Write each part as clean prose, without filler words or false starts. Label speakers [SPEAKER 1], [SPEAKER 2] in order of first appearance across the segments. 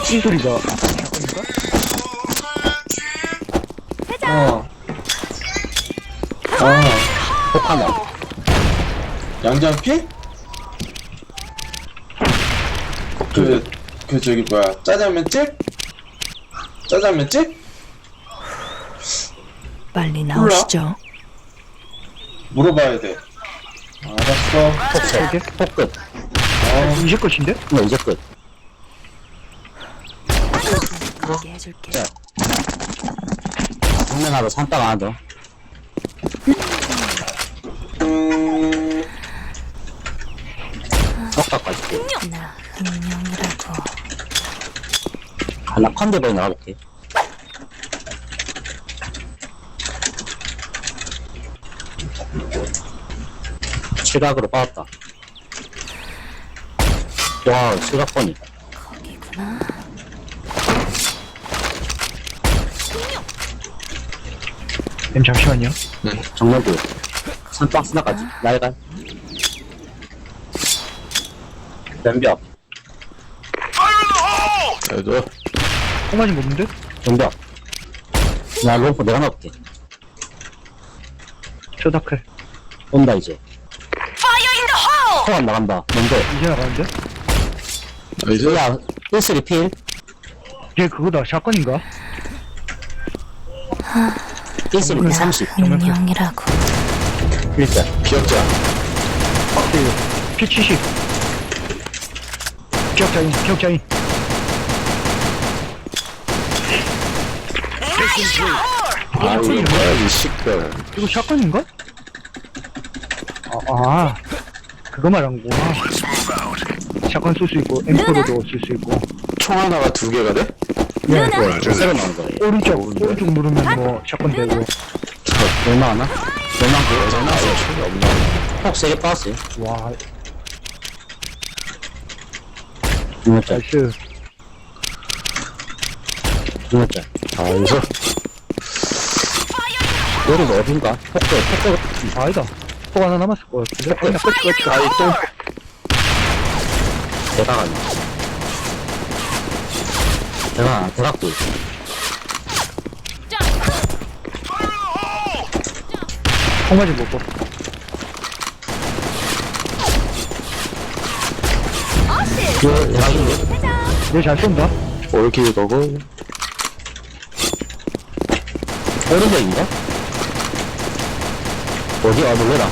[SPEAKER 1] 이 소리가
[SPEAKER 2] 어. 아,
[SPEAKER 3] 폭하나.
[SPEAKER 2] 양장피? 저기 뭐야, 짜장면집? 짜장면집?
[SPEAKER 4] 빨리 나오시죠.
[SPEAKER 2] 물어봐야 돼. 알았어.
[SPEAKER 3] 폭세. 폭끝.
[SPEAKER 1] 이제 끝인데?
[SPEAKER 3] 네, 이제 끝.
[SPEAKER 4] 가게 해줄게.
[SPEAKER 3] 자. 정면 하나 더, 산딱 하나 더. 석각까지.
[SPEAKER 4] 나 흥룡이라고.
[SPEAKER 3] 하나 컨대버에 나가볼게. 칠각으로 빠졌다. 와, 칠각번이.
[SPEAKER 4] 거기구나.
[SPEAKER 1] 잠시만요.
[SPEAKER 3] 정면도. 산박 스나까지. 날간. 변벽.
[SPEAKER 5] 그래도
[SPEAKER 1] 콩맞은 거 없는데?
[SPEAKER 3] 변벽. 나 롬프 내가 넣을게.
[SPEAKER 1] 쇼다클.
[SPEAKER 3] 온다, 이제. 포안 나간다. 먼저.
[SPEAKER 1] 이제 나가는데?
[SPEAKER 5] 나이스.
[SPEAKER 3] 야, 1쓰리 필.
[SPEAKER 1] 걔 그거다. 샷건인가?
[SPEAKER 3] 1쓰리 필 30.
[SPEAKER 4] 흥룡이라고.
[SPEAKER 3] 1자.
[SPEAKER 5] 기억자.
[SPEAKER 1] P70. 기억자인.
[SPEAKER 5] 아, 이거 뭐야, 이 시끌.
[SPEAKER 1] 이거 샷건인가? 그거 말한 거구나. 샷건 쓸 수 있고, M4로도 쓸 수 있고.
[SPEAKER 5] 총 하나가 두 개가 돼?
[SPEAKER 1] 네.
[SPEAKER 3] 새로 나온 거예요.
[SPEAKER 1] 오른쪽 누르면 뭐, 샷건 되고.
[SPEAKER 3] 얼마 하나? 얼마
[SPEAKER 5] 여자 나와, 총이 없나?
[SPEAKER 3] 폭 3개 빠졌어요.
[SPEAKER 1] 와,
[SPEAKER 3] 6자.
[SPEAKER 1] 나이스.
[SPEAKER 3] 6자.
[SPEAKER 5] 아, 여기서
[SPEAKER 3] 여기는 어딘가? 폭도.
[SPEAKER 1] 아니다. 폭 하나 남았을 거야. 그냥 끝.
[SPEAKER 5] 아이 똥.
[SPEAKER 3] 대각 아니야. 대각도 있어.
[SPEAKER 1] 콩맞은 거 없고.
[SPEAKER 3] 대각인데?
[SPEAKER 1] 얘 잘 쏜다.
[SPEAKER 5] 올킬 거고.
[SPEAKER 3] 오른쪽인가? 어디? 놀래라.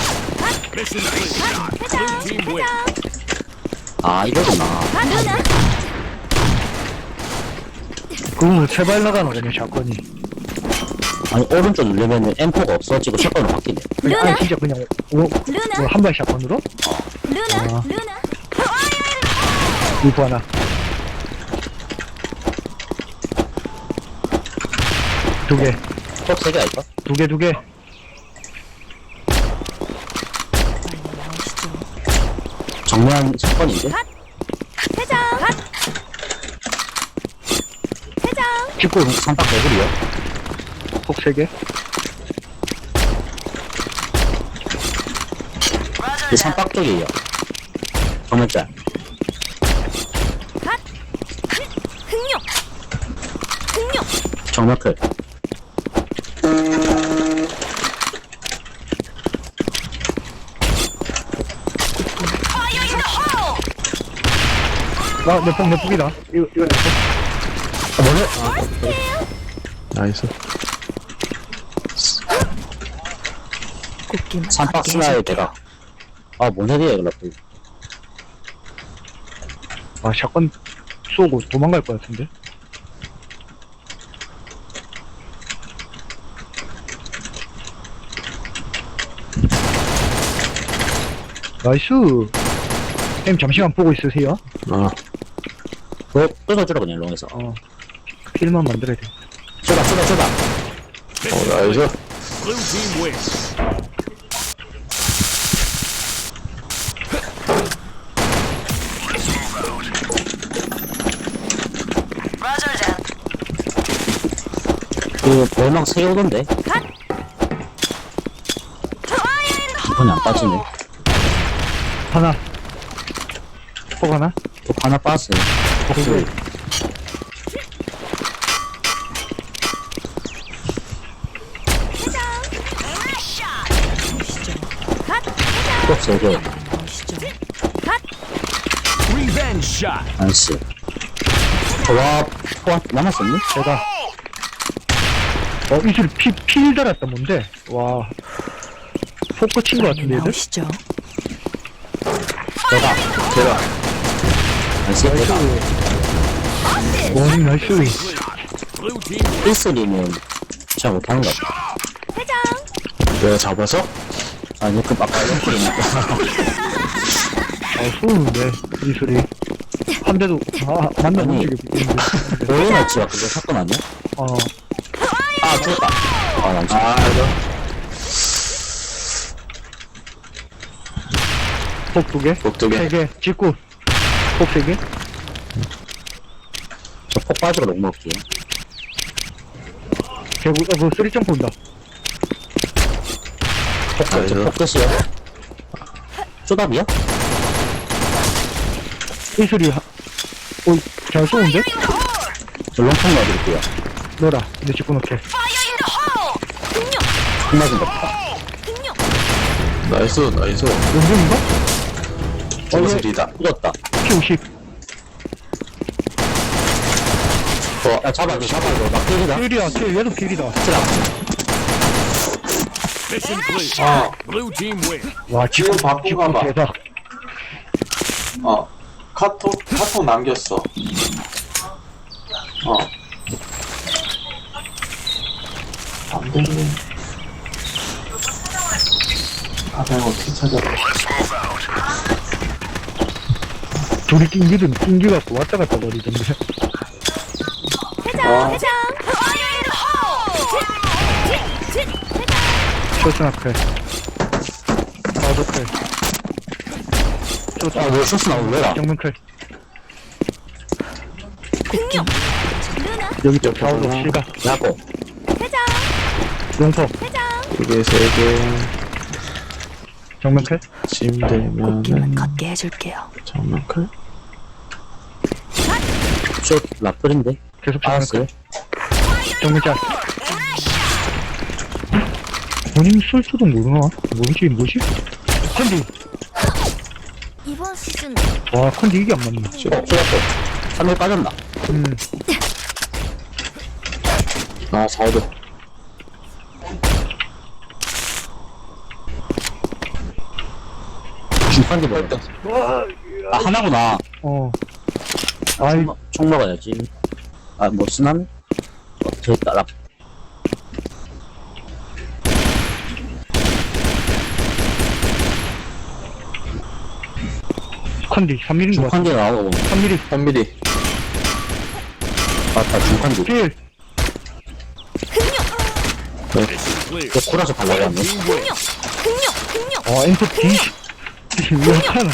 [SPEAKER 3] 아, 이거구나.
[SPEAKER 1] 그거 세발 나가는 거냐, 샷건이.
[SPEAKER 3] 아니, 오른쪽 누르면은 M4가 없어지고 샷건으로 바뀌네.
[SPEAKER 1] 아니, 진짜 그냥, 한 발 샷건으로? 아. 이거 하나. 두 개.
[SPEAKER 3] 폭 3개 할까?
[SPEAKER 1] 두 개.
[SPEAKER 4] 빨리 나오시죠.
[SPEAKER 3] 정면 샷건인데?
[SPEAKER 1] 찍고,
[SPEAKER 3] 삼박 개구리요?
[SPEAKER 1] 폭 세 개.
[SPEAKER 3] 이 삼박 쪽이에요. 정면짤. 정면클.
[SPEAKER 1] 내 폭이다. 이거 내 폭.
[SPEAKER 3] 뭐래?
[SPEAKER 5] 나이스.
[SPEAKER 4] 꽃기만
[SPEAKER 3] 삼박
[SPEAKER 4] 받게
[SPEAKER 3] 스나의
[SPEAKER 4] 해줄게.
[SPEAKER 3] 대각. 뭔 소리야, 이거.
[SPEAKER 1] 샷건 쏘고 도망갈 것 같은데? 나이스. 햄 잠시만 보고 있으세요.
[SPEAKER 5] 아,
[SPEAKER 3] 끊어주라, 그냥, 롱에서.
[SPEAKER 1] 필만 만들어야 돼.
[SPEAKER 3] 쏘다.
[SPEAKER 5] 나이스.
[SPEAKER 3] 그, 벌망 3개 오던데? 이번에 안 빠지네.
[SPEAKER 1] 하나. 폭 하나.
[SPEAKER 3] 또 하나 빠졌어요.
[SPEAKER 1] 두 개.
[SPEAKER 3] 폭 3개.
[SPEAKER 4] 보시죠.
[SPEAKER 6] Revenge shot.
[SPEAKER 3] 나이스. 와, 포 남았었니?
[SPEAKER 1] 제가 이슬 필 달았다 뭔데? 와 포크 친 거 같은데 얘들?
[SPEAKER 4] 나오시죠.
[SPEAKER 3] 대박.
[SPEAKER 5] 대박.
[SPEAKER 3] 나이스, 대박.
[SPEAKER 1] 원 나이스.
[SPEAKER 6] Blue team.
[SPEAKER 3] 1스리면 잘 못하는 것 같아.
[SPEAKER 5] 내가 잡아서?
[SPEAKER 3] 아니, 그 아까 이렇게
[SPEAKER 1] 쏘는데 이슬이 한 대도 만나 못
[SPEAKER 3] 아니.
[SPEAKER 1] 죽게 붙이는데.
[SPEAKER 3] 오해놨지가 그거 사건 아니야? 아, 죽었다. 아, 난 진짜.
[SPEAKER 1] 폭 2개?
[SPEAKER 5] 폭 2개.
[SPEAKER 1] 3개 직구 폭 3개?
[SPEAKER 3] 저폭 빠지고 녹 먹을게요.
[SPEAKER 1] 개구 그 쓰리점 본다.
[SPEAKER 5] 나이스.
[SPEAKER 3] 저폭 끝이요. 쪼답이야?
[SPEAKER 1] 이슬이 잘 쏘는데?
[SPEAKER 3] 저 롱통 넣어드릴게요.
[SPEAKER 1] 너라 근데 직구 넣게.
[SPEAKER 3] 총 맞은 거 없다.
[SPEAKER 5] 나이스, 나이스.
[SPEAKER 1] 연중인가?
[SPEAKER 5] 중슬이다.
[SPEAKER 3] 죽었다.
[SPEAKER 1] P50
[SPEAKER 3] 야, 잡아줘, 잡아줘. 나 때리다.
[SPEAKER 1] 필이야 필 얘도 필이다.
[SPEAKER 6] Mission clear.
[SPEAKER 2] 어,
[SPEAKER 6] Blue team win.
[SPEAKER 1] 와
[SPEAKER 2] 지금
[SPEAKER 1] 직구
[SPEAKER 2] 바꾸고 가봐.
[SPEAKER 1] 대박.
[SPEAKER 2] 카톡 남겼어. 안 되네. 내가 어떻게 찾아?
[SPEAKER 1] 둘이 낑기 갖고 왔다 갔다 거리던데. 쇼스 앞에 나도 클
[SPEAKER 3] 아, 왜 쇼스 나올래라?
[SPEAKER 1] 정면 클 여기 저 좌우로 실각
[SPEAKER 3] 야고.
[SPEAKER 1] 용포
[SPEAKER 5] 2개, 3개.
[SPEAKER 1] 정면 클
[SPEAKER 5] 침
[SPEAKER 4] 꽃길만
[SPEAKER 5] 되면은,
[SPEAKER 4] 걷게 해줄게요.
[SPEAKER 5] 정면 클?
[SPEAKER 3] 쇼 라플인데?
[SPEAKER 1] 계속 정면
[SPEAKER 3] 알았어요.
[SPEAKER 1] 클 정면 짤 본인 쓸 수도 모르나? 뭐지? 컨디
[SPEAKER 4] 이번 시즌
[SPEAKER 1] 와 컨디 이게 안 맞네.
[SPEAKER 3] 쇼라고. 3일 빠졌나?
[SPEAKER 5] 아, 4도.
[SPEAKER 3] 중판기 먹었다 아, 하나구나.
[SPEAKER 1] 아이
[SPEAKER 3] 총 먹어야지. 아, 뭐, 쓰나미? 저기 있다, 랍.
[SPEAKER 1] 컨디 3mm인 거 같아.
[SPEAKER 3] 중판기 나오고.
[SPEAKER 1] 3mm
[SPEAKER 5] 3mm.
[SPEAKER 3] 맞다, 중판기.
[SPEAKER 1] 필
[SPEAKER 6] Mission clear.
[SPEAKER 3] 저 코라서 발라갔네.
[SPEAKER 6] Team win.
[SPEAKER 1] 엔터 D 왜 하나